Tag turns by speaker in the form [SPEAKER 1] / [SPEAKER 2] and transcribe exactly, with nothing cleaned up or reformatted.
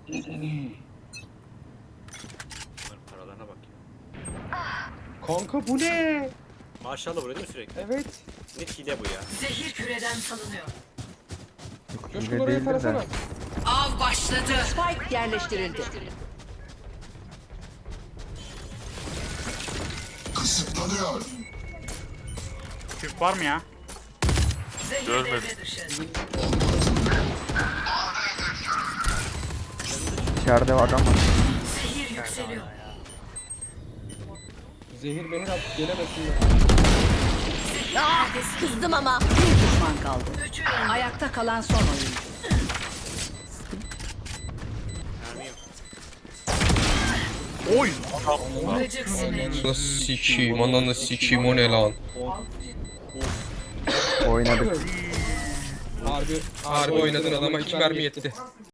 [SPEAKER 1] Bunların paralarına bak ya.
[SPEAKER 2] Kanka bu ne?
[SPEAKER 1] Maşallah vuruyor değil mi sürekli?
[SPEAKER 2] Evet.
[SPEAKER 1] Ne hile bu ya.
[SPEAKER 3] Zehir küreden salınıyor.
[SPEAKER 2] Coşkun oraya tarasana.
[SPEAKER 3] Av başladı.
[SPEAKER 4] Spike yerleştirildi.
[SPEAKER 5] Kısıtlanıyor.
[SPEAKER 6] Türk var mı ya?
[SPEAKER 3] Zehir
[SPEAKER 7] Görmedim.
[SPEAKER 3] devre dışı.
[SPEAKER 8] İçeride adam var.
[SPEAKER 3] Zehir yükseliyor.
[SPEAKER 2] Zehir mehir at gelemesinler.
[SPEAKER 4] Kızdım ama. Bir düşman kaldı.
[SPEAKER 3] Üçü
[SPEAKER 4] Ayakta kalan son oyuncu.
[SPEAKER 1] Mermi yok.
[SPEAKER 7] Oy!
[SPEAKER 3] gıcık sinek.
[SPEAKER 9] Nasıl sikiyim, ananı sikiyim, o ne lan?
[SPEAKER 8] Oynadık.
[SPEAKER 2] Harbi.
[SPEAKER 9] Harbi oynadın, adama iki mermi yetti.